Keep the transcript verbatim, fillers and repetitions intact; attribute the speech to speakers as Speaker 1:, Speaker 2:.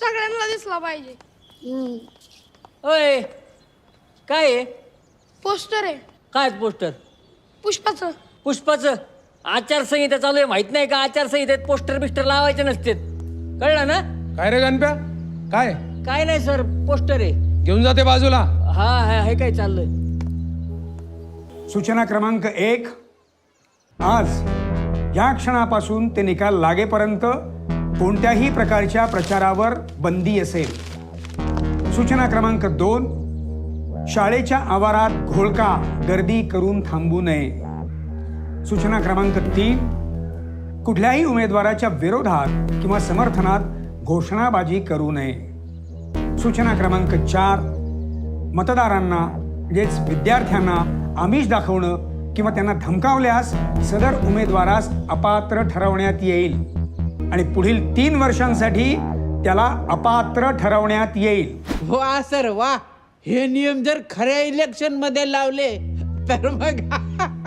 Speaker 1: सगळ्यांना दिसला पाहिजे.
Speaker 2: ओय काय आहे?
Speaker 1: पोस्टर आहे
Speaker 2: काय पोस्टर?
Speaker 1: पुष्पाचं.
Speaker 2: पुष्पाचं आचारसंहिता चालू आहे, माहित नाही का? आचारसंहितेत पोस्टर बिस्टर लावायचे नसते, कळलं ना?
Speaker 3: काय रे गणप्या? काय
Speaker 2: काय नाही सर, पोस्टर आहे.
Speaker 3: घेऊन जाते बाजूला.
Speaker 2: हा हा हे काय चाललंय?
Speaker 4: सूचना क्रमांक एक, आज या क्षणापासून ते निकाल लागेपर्यंत कोणत्याही प्रकारच्या प्रचारावर बंदी असेल. सूचना क्रमांक दोन, शाळेच्या आवारात घोळका गर्दी करून थांबू नये. सूचना क्रमांक तीन, कुठल्याही उमेदवाराच्या विरोधात किंवा समर्थनात घोषणाबाजी करू नये. सूचना क्रमांक चार, मतदारांना म्हणजेच विद्यार्थ्यांना आमिष दाखवणं किंवा त्यांना धमकावल्यास सदर उमेदवारास अपात्र ठरवण्यात येईल आणि पुढील तीन वर्षांसाठी त्याला अपात्र ठरवण्यात येईल.
Speaker 5: वा सर वा, हे नियम जर खऱ्या इलेक्शन मध्ये लावले तर मग